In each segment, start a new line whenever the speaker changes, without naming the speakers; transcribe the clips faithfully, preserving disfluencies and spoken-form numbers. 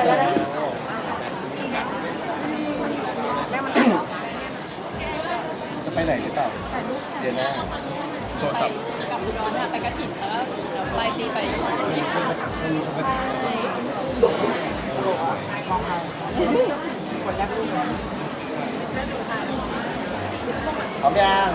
จะไปไหนหรือเปล่าเดี๋ยวหน้าโทรศัพท์
กับอุดรค่ะไปกระถิ่นแล้วเดี๋ยวปลายปีไปญี่ปุ่น
พร้อมยัง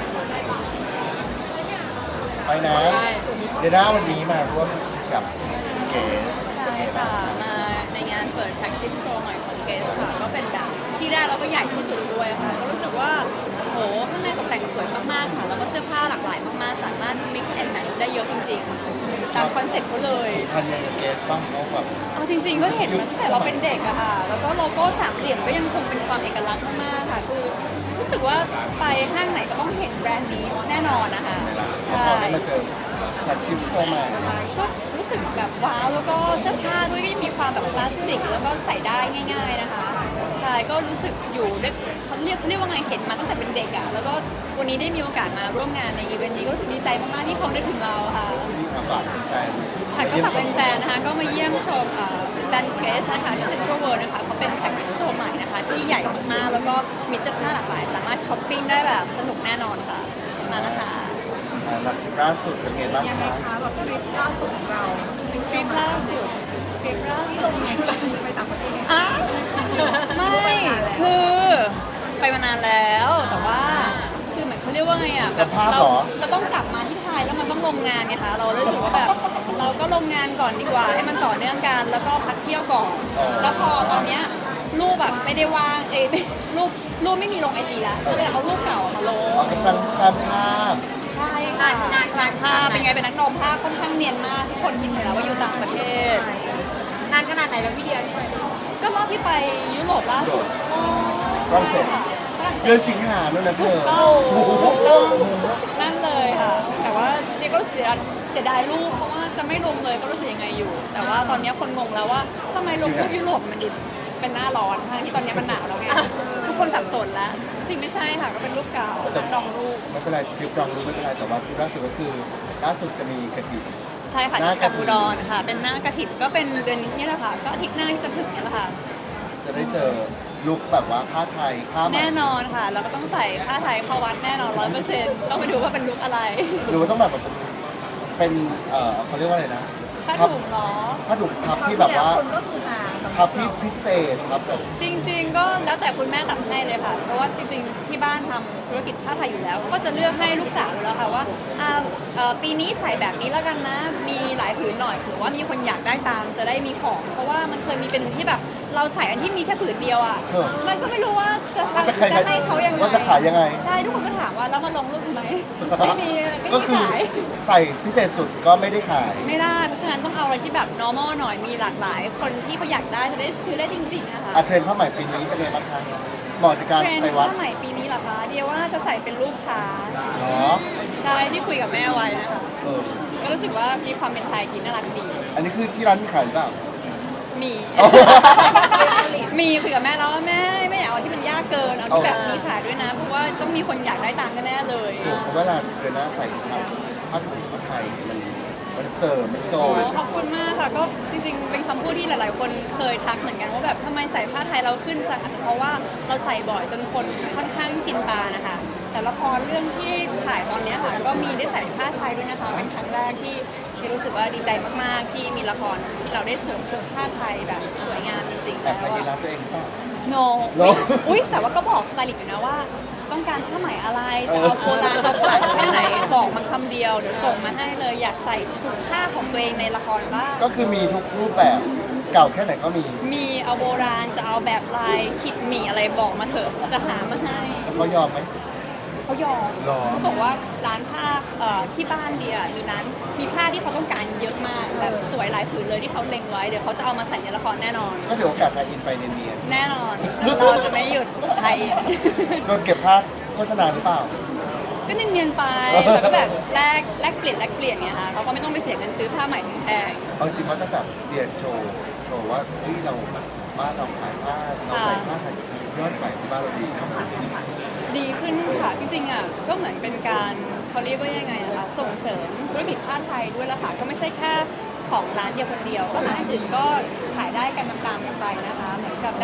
ไปนะเดี๋ยวหน้าวันนี้มาร่วมกับเก๋
ใช่ค่ะมาในงานเปิดแท็กซี่โชว์ใหม่ของเกสค่ะก็เป็นแบบที่แรกเราก็ใหญ่ที่สุดด้วยค่ะก็รู้สึกว่าโหข้างในตกแต่งสวยมากๆค่ะแล้วก็เสื้อผ้าหลากหลายมากๆสามารถ mix and match ได้เยอะจริงๆตามคอนเซ็ปต์เขาเลย
ทันยังกับเก๋บ้างเขาแบบ
เอาจริงๆก็เห็นมาตั้งแต่เราเป็นเด็กอะค่ะแล้วก็โลโก้สามเหลี่ยมก็ยังคงเป็นความเอกลักษณ์มากๆค่ะคือรู้สึกว่าไปห้างไหนก็ต้องเห็นแบรนด์นี้แน่นอนนะคะ
พอได้มาเจอแท็กชิปโตมา
ก็รู้สึกแบบว้าวแล้วก็เสื้อผ้าด้วยก็ยังมีความแบบคลาสสิกแล้วก็ใส่ได้ง่าย ๆนะคะใช่ก็รู้สึกอยู่ได้เขาเรียกเขาเรียกว่าไงเห็นมาตั้งแต่เป็นเด็กอะแล้วก็วันนี้ได้มีโอกาสมาร่วมงานในอีเวนต์นี้ก็รู้สึกดีใจมากๆที่เขาได้ถึงเราค่ะ
มาฝากแฟน
ค่ะก็ฝากแฟนๆนะคะก็มาเยี่ยมชมแบรนด์เกสนะคะที่เซ็นทรัลเวิลด์นะคะเขาเป็นแท็กซี่โชว์ใหม่นะคะที่ใหญ่มากๆแล้วก็มีเสื้อผ้าหลากหลายสามารถช้อปปิ้งได้แบบสนุกแน่นอนค่ะมานะคะ
หลักจุดล่าสุดเป็นไงบ้างคะ
คะแบบทริปล่าสุดของเรา
ทริปล่าสุดทริปล่าสุ
ล
ด
งไงไปต่างประเทศ
อ่ะไม่คือไปมานานแล้วแต่ว่าคือเหมือนเขาเรียกว่าไงอ่ะแบบเราเราต้องกลับมาที่ไทยแล้วมันต้องลงงานไงคะเราเลยรู้สึกว่าแบบเราก็ลงงานก่อนดีกว่าให้มันต่อเนื่องกันแล้วก็พักเที่ยวก่อนแล้วพอตอนเนี้ยรูปแบบไม่ได้ว่างเอยรูปรูปไม่มีลงไอจีแล้วก็เลยเอารูปเก่ามาลง
เอาเป็นการการภาพ
ใช่ค่ะงานการภาพเป็นไงเป็นนักดมภาพค่อนข้างเนียนมากทุกคนคิดเลยแล้วว่าอยู่ต่างประเทศ
นานขนาดไหนแล้วพี่เดียที่ไป
ก็รอบที่ไปยุโรปล่าสุด
ฝรั่งเศส เดือนสิงหาแล้วนะเธอ
ต้องนั่นเลยค่ะ แต่ว่าเดียก็เสียเสียดายรูปเพราะว่าจะไม่ลงเลยก็รู้สึกยังไงอยู่ แต่ว่าตอนนี้คนงงแล้วว่าทำไมลงรูปยุโรปมันดูเป็นหน้าร้อนทั้งที่ตอนนี้มันหนาวแล้วไงทุกคนสับสนแล้วจริงไม่ใช่ค่ะก็เป็นรูปเก่าดองรูป
ไม่เป็นไรทริปลองรู้ไม่เป็นไรแต่ว่าทริปล่าสุดก็คือล่าสุดจะมีกระถิ่น
ใช่ค่ะ
หน้า
ที่
ก
กั
ฐิ
บ
น
อุดรค่ะ เป็นหน้ากระถิ่นก็เป็นเดือนนี้นี่แหละค่ะ ก็อาทิตย์หน้าที่จะถึงนี่แหละค่ะ
จะได้เจอลุคแบบว่าผ้าไทยผ้าไหม
แน่นอนค่ะ เราก็ต้องใส่ผ้าไทยเข้าวัดแน่นอนร้อยเปอร์เซ็นต์ต้องไปดูว่าเป็นลุคอะไร
หรือว่าต้องแบบเป็นเออเขาเรียกว่าอะไรนะ
ผ้าถุงเหรอ
ผ้าถุงพับที่แบบว่า
คนก็คือหา
พับที่พิเศษครับแบบ
จริงๆ ก็แล้วแต่คุณแม่ตัดให้เลยค่ะ เพราะว่าจริงๆ ที่บ้านทำธุรกิจผ้าไทยอยู่แล้ว ก็จะเลือกให้ลูกสาวอยู่แล้วค่ะว่าอ่าเอ่อปีนี้ใส่แบบนี้แล้วกันนะ มีหลายผืนหน่อยหรือว่ามีคนอยากได้ตามจะได้มีของ เพราะว่ามันเคยมีเป็นที่แบบเราใส่อันที่มีแค่ผืนเดียวอ่ะ มันก็ไม่รู้ว่าจะทำ
จะขาย
จะให้เขายังไง
ว่าจะขายยังไง
ใช่ทุกคนก็ถามว่าแล้วมาลงรูปทำไม ไม่มี
ก็
ไม่
คือ
ขาย
ใส่พิเศษสุดก็ไม่ได้ขาย
ไม่ได้เพราะฉะนั้นต้องเอาอะไรที่แบบ normal หน่อยมีหลากหลาย คนที่เขาอยากได้จะได้ซื้อได้จริงๆนะคะ
อ่ะเทรนด์ผ้าไหมปีนี้เป็นไงบ้างคะเหมาะจากการ
เทรน
ไป
ด์
วัด
ผ้าไหมปีนี้เหรอคะเดียวว่าจะใส่เป็นรูปช้าง
เนาะ
ใช่ที่คุยกับแม่ไว้นะคะ
เออ
ก็รู้สึกว่ามีความเป็นไทยกินน่ารักดี
อันนี้คือที่ร้านมีขายหรือเปล่า
มี มีคุยกับแม่แล้วว่าแม่ไม่อยากเอาที่มันยากเกินเอาที่แบบมีขายด้วยนะ เพราะว่าต้องมีคนอยากได้ตามแน่ๆเลย
ถูกเพราะเวลาเดินหน้าใส่ผ้าผ้าถุงผ้าไทยมันมันเสริมมันโซ
โอ้
น
ขอบคุณมากค่ะก็จริงๆ เป็นคำพูดที่หลาย ๆ คนเคยทักเหมือนกันว่าแบบทำไมใส่ผ้าไทยเราขึ้นจังอาจจะเพราะว่าเราใส่บ่อยจนคนค่อนข้างชินตานะคะ แต่ละครเรื่องที่ถ่ายตอนเนี้ยค่ะก็มีได้ใส่ผ้าไทยด้วยนะคะเป็นครั้งแรกที่ที่รู้สึกว่าดีใจมากๆ ที่มีละครที่เราได้สวมชุดผ้าไทยแบบสวยงามจริงๆ
แอ
แล้
บ
ว
ไปที่ร้า
อะ
นตัวเองเปล่า
โน
No
อุ้ยแต่ว่าก็บอกสไตลิสต์อยู่นะว่า ต้องการผ้าไหมอะไรจะเอาโบราณเอาขลังแค่ไหนบอกมาคำเดียวเดี๋ยวส่งมาให้เลยอยากใส่ชุดผ้าของตัวเองในละครบ้าง
ก็คือมีทุกรูปแบบเก่าแค่ไหนก็มี
มีเอาโบราณจะเอาแบบลายขิดหมี่อะไรบอกมาเถอะจะหามาให้
แล้วเขายอมไหม
เขายอม
หรอ
เขาบอกว่าร้านผ้าเอ่อที่บ้านเดียมีร้านมีผ้าที่เขาต้องการเยอะมากแบบสวยหลายผืนเลยที่เขาเล็งไว้เดี๋ยวเขาจะเอามาใส่ในละครแน่นอน
ก็ถือโอกาสมาอินไปเนียน
แน่นอน เราจะไม่หยุดไทย
ๆโดนเก็บภาพโฆษณาหรือเปล่า
ก็เนียนๆไปแล้วก็แบบแลกแลกเปลี่ยนแลกเปลี่ยนไงคะเขาก็ไม่ต้องไปเสียเงินซื้อผ้าใหม่แพง
เอาจริงว่าตั้งแต่เรียนโชว์โชว์ว่าเฮ้ยเราบ้านเราขายผ้าเราใส่ผ้าไทยยอดใส่ที่บ้านเราดีครับ
ดีขึ้นค่ะจริงๆอ่ะก็เหมือนเป็นการเขาเรียกว่ายังไงอะคะส่งเสริมธุรกิจผ้าไทยด้วยละค่ะก็ไม่ใช่แค่ของร้านเดียวคนเดียวก็ร้านอื่นก็ขายได้กันตามๆกันไปนะ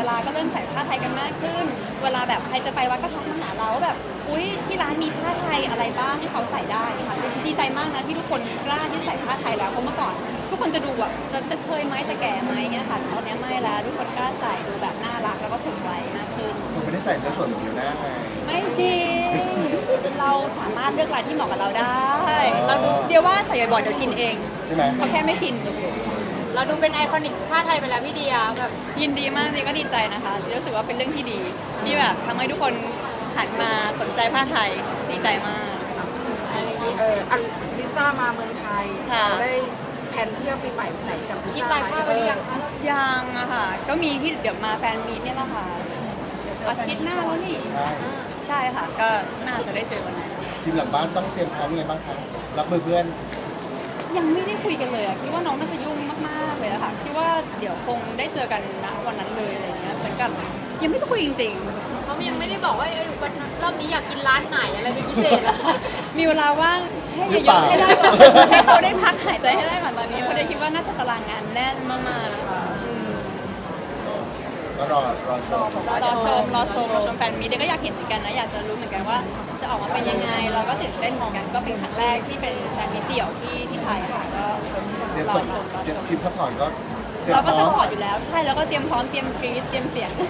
ลาก็เริ่มใส่ผ้าไทยกันมากขึ้น เวลาแบบใครจะไปวัดก็ทักมาหาเราว่าแบบอุ้ยที่ร้านมีผ้าไทยอะไรบ้างให้เขาใส่ได้ค่ะดีใจมากนะที่ทุกคนกล้าที่ใส่ผ้าไทยแล้วเพราะเมื่อก่อน ทุกคนจะดูแบบจะจะเชยไหมจะแก่ไหมเงี้ยค่ะตอนนี้ไม่แล้วทุกคนกล้าใส่ดูแบบน่ารักแล้วก็สมวัยมากขึ้น
คุณไม่ได้ใส่เนื้อส่วนผิวหน้าไง
ไม่จริง เราสามารถเลือกลายที่เหมาะกับเราได้
อ๋อ
เราดูเดียวว่าใส่บ่อยๆเดี๋ยวชินเอง
ใช่ไหม
เขาแค่ไม่ชิน
เราดูเป็นไอคอนิกผ้าไทยไปแล้วพี่เดียแบบ
ยินดีมากเลยก็ดีใจนะคะที่รู้สึกว่าเป็นเรื่องที่ดีที่แบบทำให้ทุกคนหันมาสนใจผ้าไทยดีใจมาก
อะไรอย่างนี้
เอออันลิซ่ามาเมืองไทย
ค่ะ
เราได้แผนเที่ยวปีใหม่ที่ไหนกับลิ
คิด
ซ่า
ลายผ้าไว้หรือยังคะ
ยังอะค่ะ ก็มีที่เดี๋ยวมาแฟนมีตเนี่ยแหละค่ะอาทิตย์หน้าแล้วนี่
ใช่
ใช่ค่ะ ก็น่าจะได้เจอวันนั้น
ทีมหลังบ้านต้องเตรียมพร้อมยังไงบ้างคะรับมือเพื่อน
ยังไม่ได้คุยกันเลยอะคิดว่าน้องน่าจะยุ่งมากๆเลยอะค่ะคิดว่าเดี๋ยวคงได้เจอกันณวันนั้นเลยอะไรเงี้ยเหมือนกับยังไม่ได้คุยจริง
เขายังไม่ได้บอกว่าเอ้ยวันนั้นรอบนี้อยากกินร้านไหนอะไรเป็นพิเศษอะ
ๆ มีเวลาว่างให้
หรือ
เย
เป
อะ
ล่า
ๆให้ได้ก่อนให้เขาได้พักหายใจให้ได้ก่อนตอนนี้เพราะเดี๋ยวคิดว่าน่าจะตารางงานแน่นมากๆนะคะอืม
ก็รอรอชม
รอชมรอชมรอชมแฟนมีตเดี๋ยวก็อยากเห็นเหมือนกันนะอยากจะรู้เหมือนกันว่าจะออกมาเป็นยังไงเราก็ตื่นเต้นเหมือนกันก็เป็นครั้งแรกที่เป็นแฟนมีตเดี่ยวที่ที่ไทยค่ะก็
เตรียม
รอ
ส่ง
ชมรอ
เตรียม
ชม
ทีมซัพพอร์ตก็เตรียม
เรา
พ
ก็
ร้
ส
อม
ปอร์ตอยู่แล้วใช่แล้วก็เตรียมพร้อมเตรียมกรี๊ดเตรียมเสียง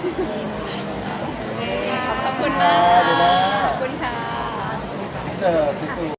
ขอบคุณมากค่ะขอบคุณค่ะ
เสิร์ฟสวยๆ